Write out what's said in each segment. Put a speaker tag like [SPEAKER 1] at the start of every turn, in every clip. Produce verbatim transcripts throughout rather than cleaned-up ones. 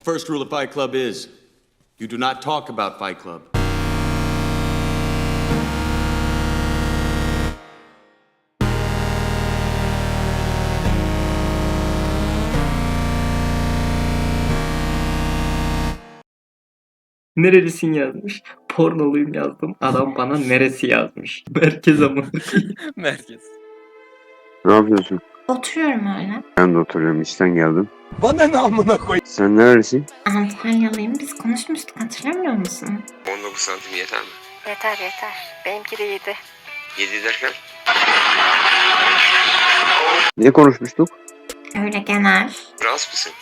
[SPEAKER 1] First rule of Fight Club is, you do not talk about Fight Club.
[SPEAKER 2] Nerelisin yazmış. Pornoluyum yazdım. Adam bana neresi yazmış. Merkez ama.
[SPEAKER 3] Merkez.
[SPEAKER 4] Ne yapıyorsun?
[SPEAKER 5] Oturuyorum öyle.
[SPEAKER 4] Ben de oturuyorum. İşten geldim.
[SPEAKER 3] Bana ne amına koy.
[SPEAKER 4] Sen nerelisin?
[SPEAKER 5] Antalyalıyım. Biz konuşmuştuk, hatırlamıyor musun?
[SPEAKER 4] on dokuz santim yeter mi?
[SPEAKER 5] Yeter yeter. Benimki de yedi.
[SPEAKER 4] yedi derken? Ne konuşmuştuk?
[SPEAKER 5] Öyle genel.
[SPEAKER 4] Rahatsız mısın?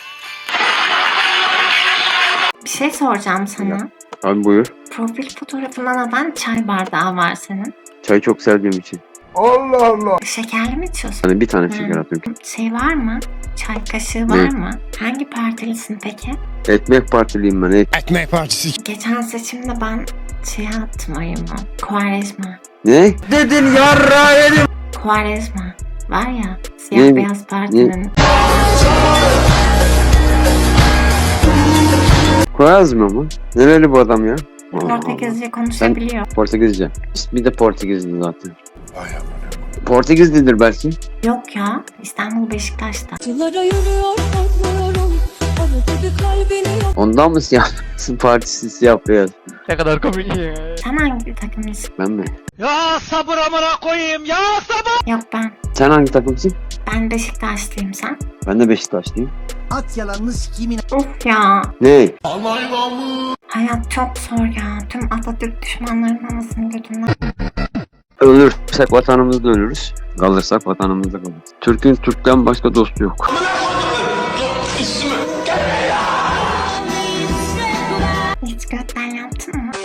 [SPEAKER 5] Bir şey soracağım sana.
[SPEAKER 4] Abi buyur.
[SPEAKER 5] Profil fotoğrafında neden çay bardağı var senin?
[SPEAKER 4] Çay çok sevdiğim için.
[SPEAKER 5] Şekerli mi içiyorsun?
[SPEAKER 4] Hani bir tane
[SPEAKER 5] Hı.
[SPEAKER 4] şeker atıyorum.
[SPEAKER 5] Şey var mı? Çay kaşığı var
[SPEAKER 4] Ne?
[SPEAKER 5] mı? Hangi partilisin peki?
[SPEAKER 4] Ekmek partiliyim ben. Et.
[SPEAKER 3] Ekmek partisi.
[SPEAKER 5] Geçen seçimde ben şey attım oyumu. Kuarezma.
[SPEAKER 4] Ne?
[SPEAKER 3] Dedin yarra yedim.
[SPEAKER 5] Kuarezma. Var ya, siyah
[SPEAKER 4] Ne?
[SPEAKER 5] beyaz partinin.
[SPEAKER 4] Koyaz mı ama? Nereli bu adam ya? Allah Allah.
[SPEAKER 5] Portekizce konuşabiliyor.
[SPEAKER 4] Portekizce. İsmi de Portekizli zaten. Portekizlidir belki.
[SPEAKER 5] Yok ya, İstanbul Beşiktaş'ta.
[SPEAKER 6] Yıllara yürüyor korkmuyorum. Arada bir kalbini yok.
[SPEAKER 4] Ondan mı siyah partisi siyah beyaz?
[SPEAKER 3] Ne kadar komik ya.
[SPEAKER 5] Sen hangi takımlısın?
[SPEAKER 4] Ben mi?
[SPEAKER 3] Ya sabır amına koyayım ya sabır.
[SPEAKER 5] Yok ben.
[SPEAKER 4] Sen hangi takımsın?
[SPEAKER 5] Ben Beşiktaşlıyım, sen.
[SPEAKER 4] Ben de Beşiktaşlıyım.
[SPEAKER 7] At yalanını sikiyim inan.
[SPEAKER 5] Of ya.
[SPEAKER 4] Ne?
[SPEAKER 5] Hayat çok zor ya. Tüm Atatürk düşmanlarının anasını götünden.
[SPEAKER 4] Ölürsek vatanımızda ölürüz. Kalırsak vatanımızda kalırız. Türk'ün Türk'ten başka dostu yok.
[SPEAKER 5] Hiç götten yaptın mı?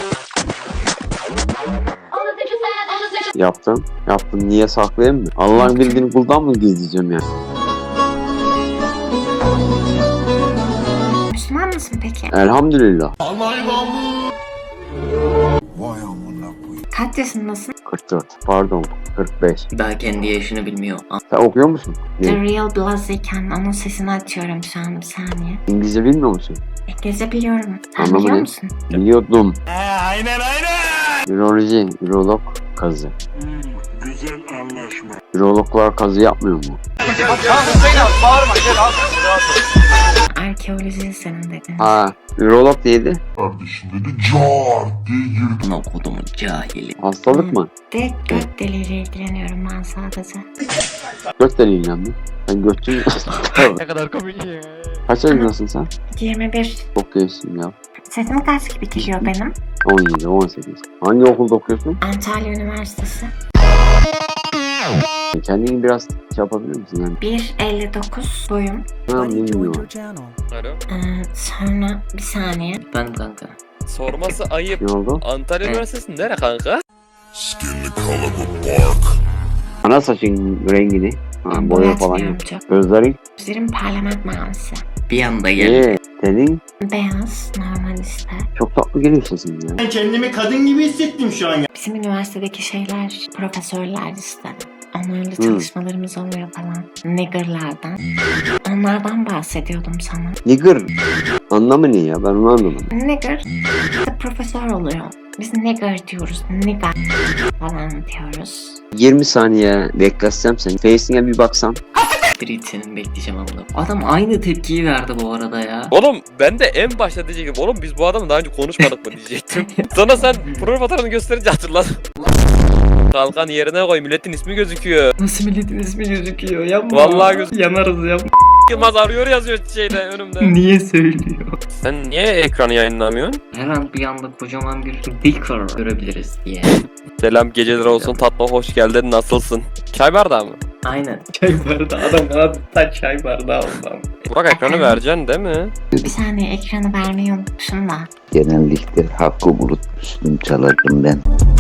[SPEAKER 4] Yaptım. Yaptım. Niye saklayayım mı? Allah'ın bildiğini kuldan mı gizleyeceğim ya?
[SPEAKER 5] Müslüman mısın peki?
[SPEAKER 4] Elhamdülillah.
[SPEAKER 5] Kaç yaşındasın?
[SPEAKER 4] kırk dört. Pardon. kırk beş.
[SPEAKER 2] Daha kendi yaşını bilmiyor.
[SPEAKER 4] Sen okuyor musun?
[SPEAKER 5] The
[SPEAKER 4] Ne?
[SPEAKER 5] Real Blaziken. Onun sesini açıyorum şu an, bir saniye.
[SPEAKER 4] İngilizce bilmiyor musun?
[SPEAKER 5] İngilizce biliyorum. Sen
[SPEAKER 4] Anlamı
[SPEAKER 5] biliyor
[SPEAKER 4] ne?
[SPEAKER 5] musun?
[SPEAKER 4] Biliyordum.
[SPEAKER 3] Aynen aynen.
[SPEAKER 4] Üroloji, ürolog kazı.
[SPEAKER 8] Güzel anlaşma.
[SPEAKER 4] Ürologlar kazı yapmıyor mu?
[SPEAKER 5] Arkeoloji senin dedin.
[SPEAKER 4] Ha, ürolog neydi?
[SPEAKER 8] Kardeşim dedi car diye girdi.
[SPEAKER 2] Buna kodumun cahili.
[SPEAKER 4] Hastalık mı?
[SPEAKER 5] Direkt göt deliğiyle ilgileniyorum ben sadece.
[SPEAKER 4] Göt deliğiyle mi? Sen götçü
[SPEAKER 3] Ne kadar komik ya.
[SPEAKER 4] Kaç yaşındasın sen?
[SPEAKER 5] yirmi bir.
[SPEAKER 4] Çok gençsin ya.
[SPEAKER 5] Sesim kaç gibi geliyor benim?
[SPEAKER 4] on yedi, on sekiz. Hangi okulda okuyorsun?
[SPEAKER 5] Antalya Üniversitesi.
[SPEAKER 4] Kendini biraz şey yapabilir misin yani?
[SPEAKER 5] bir elli dokuz boyum.
[SPEAKER 4] Ha, bilmiyorum.
[SPEAKER 3] Alo.
[SPEAKER 5] Ee, sonra bir saniye.
[SPEAKER 2] Ben kanka.
[SPEAKER 3] Sorması ayıp.
[SPEAKER 4] Ne oldu?
[SPEAKER 3] Antalya Üniversitesi nere kanka?
[SPEAKER 8] Skin the color of bark.
[SPEAKER 4] Ana saçın rengini. Ha, boya falan yok.
[SPEAKER 5] Boyatmıyorum çok.
[SPEAKER 4] Gözlerin.
[SPEAKER 5] Gözlerim parlament mavisi.
[SPEAKER 2] Bir anda geldi.
[SPEAKER 4] Eee senin
[SPEAKER 5] Beyaz, normal işte.
[SPEAKER 4] çok tatlı geliyor sesin ya.
[SPEAKER 7] Ben kendimi kadın gibi hissettim şu an ya.
[SPEAKER 5] Bizim üniversitedeki şeyler, profesörler işte. Onlarla
[SPEAKER 4] Hmm.
[SPEAKER 5] çalışmalarımız oluyor falan. Niggerlardan. Onlardan bahsediyordum sana.
[SPEAKER 4] Nigger. Anlamı ne ya? Ben onu anlamadım.
[SPEAKER 5] Nigger işte profesör oluyor. Biz nigger diyoruz. Nigger falan diyoruz.
[SPEAKER 4] yirmi saniye bekletsem seni. Face'ine bir baksam.
[SPEAKER 2] Bir senin bekleyeceğim amına. Adam aynı tepkiyi verdi bu arada ya.
[SPEAKER 3] Oğlum ben de en başta diyecektim. Oğlum biz bu adamla daha önce konuşmadık mı diyecektim. Sonra sen profil fotoğrafını gösterince hatırladım. Kalkan yerine koy, milletin ismi gözüküyor.
[SPEAKER 2] Nasıl milletin ismi gözüküyor? Yapma.
[SPEAKER 3] Vallahi göz-
[SPEAKER 2] Yanarız ya.
[SPEAKER 3] Yılmaz arıyor yazıyor şeyde önümde.
[SPEAKER 2] Niye söylüyor?
[SPEAKER 3] Sen niye ekranı yayınlamıyorsun?
[SPEAKER 2] Her an bir anda kocaman bir dicker görebiliriz diye.
[SPEAKER 3] Selam geceler olsun, tatlı hoş geldin, nasılsın? Çay bardağı mı?
[SPEAKER 2] Aynen. Çay bardağı. Adam adeta çay bardağı oldu.
[SPEAKER 3] Burak ekranı vereceksin değil mi?
[SPEAKER 5] Bir saniye, ekranı vermeyi unutmuşum da.
[SPEAKER 9] Genellikle hakkı bulutmuştum çalardım ben.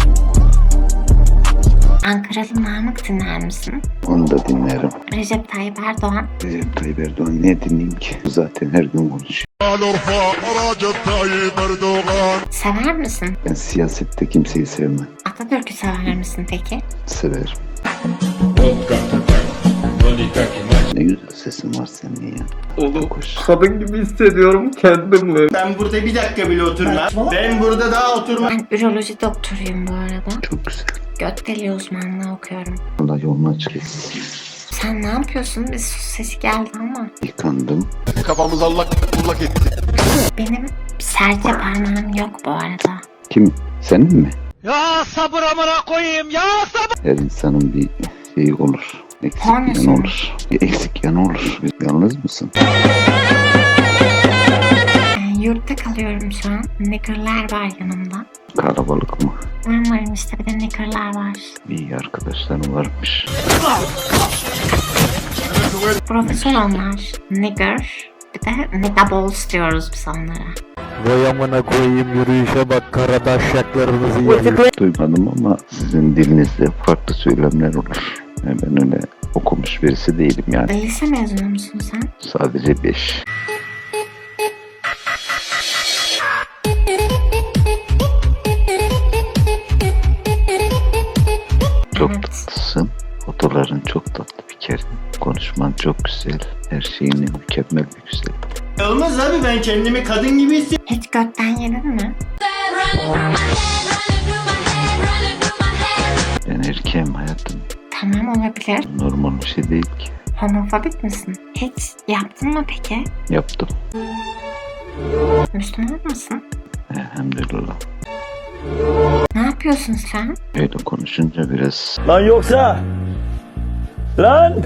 [SPEAKER 5] Ankaralı Namık dinler misin?
[SPEAKER 9] Onu da dinlerim.
[SPEAKER 5] Recep Tayyip Erdoğan.
[SPEAKER 9] Recep Tayyip Erdoğan ne dinleyeyim ki? Zaten her gün konuşuyor.
[SPEAKER 8] Alorfa Recep Tayyip Erdoğan.
[SPEAKER 5] Sever misin?
[SPEAKER 9] Ben siyasette kimseyi sevmem.
[SPEAKER 5] Atatürk'ü sever misin peki?
[SPEAKER 9] Severim.
[SPEAKER 10] Monika, Monika, Monika.
[SPEAKER 9] Ne güzel sesin var senin ya.
[SPEAKER 2] Oğlum
[SPEAKER 9] Hoş.
[SPEAKER 2] kadın gibi hissediyorum kendimi.
[SPEAKER 7] Ben burada bir dakika bile oturmam. Ben burada daha oturmam.
[SPEAKER 5] Ben üroloji doktoruyum bu arada.
[SPEAKER 9] Çok güzel.
[SPEAKER 5] Göt deliği uzmanlığı okuyorum.
[SPEAKER 9] Allah yolunu açık etsin.
[SPEAKER 5] Sen ne yapıyorsun? Bir su sesi geldi ama.
[SPEAKER 9] Yıkandım.
[SPEAKER 8] Kafamız allak bullak etti.
[SPEAKER 5] Benim serçe parmağım yok bu arada.
[SPEAKER 9] Kim? Senin mi?
[SPEAKER 7] Ya sabır amına koyayım ya sabır.
[SPEAKER 9] Her insanın bir şeyi olur. Eksik
[SPEAKER 5] Tanesi
[SPEAKER 9] yanı
[SPEAKER 5] mi?
[SPEAKER 9] olur. Bir eksik yanı olur. Yalnız mısın?
[SPEAKER 5] Ee, yurtta kalıyorum şu an. Nigger'lar var yanımda.
[SPEAKER 9] Kalabalık mı?
[SPEAKER 5] Ben varım işte, bir de nigger'lar var.
[SPEAKER 9] İyi arkadaşlarım varmış.
[SPEAKER 5] Profesör onlar. Nigger. Bir de niggaballs diyoruz biz onlara.
[SPEAKER 10] Vay amına koyayım, yürüyüşe bak, karadaşyaklarınızı yiyin.
[SPEAKER 9] Duymadım ama sizin dilinizde farklı söylemler olur. Yani ben öyle okumuş birisi değilim yani.
[SPEAKER 5] Lise mezunu musun sen?
[SPEAKER 9] Sadece beş. Çok
[SPEAKER 5] Evet.
[SPEAKER 9] tatlısın. Fotoların çok tatlı bir kere. Konuşman çok güzel. Her şeyin mükemmel bir güzel.
[SPEAKER 7] Olmaz abi, ben kendimi kadın gibi hissettim.
[SPEAKER 5] Hiç götten yedin mi?
[SPEAKER 9] Ben erkeğim hayatım.
[SPEAKER 5] Tamam, olabilir.
[SPEAKER 9] Normal bir şey değil ki.
[SPEAKER 5] Homofobik misin? Hiç yaptın mı peki?
[SPEAKER 9] Yaptım.
[SPEAKER 5] Müslüman mısın?
[SPEAKER 9] Elhamdülillah.
[SPEAKER 5] Ne yapıyorsun sen?
[SPEAKER 9] Öyle konuşunca biraz
[SPEAKER 7] Lan yoksa. Lan.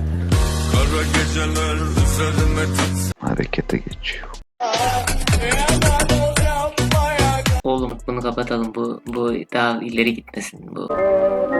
[SPEAKER 9] harekete geçiyor.
[SPEAKER 2] Oğlum bunu kapatalım, bu bu daha ileri gitmesin bu.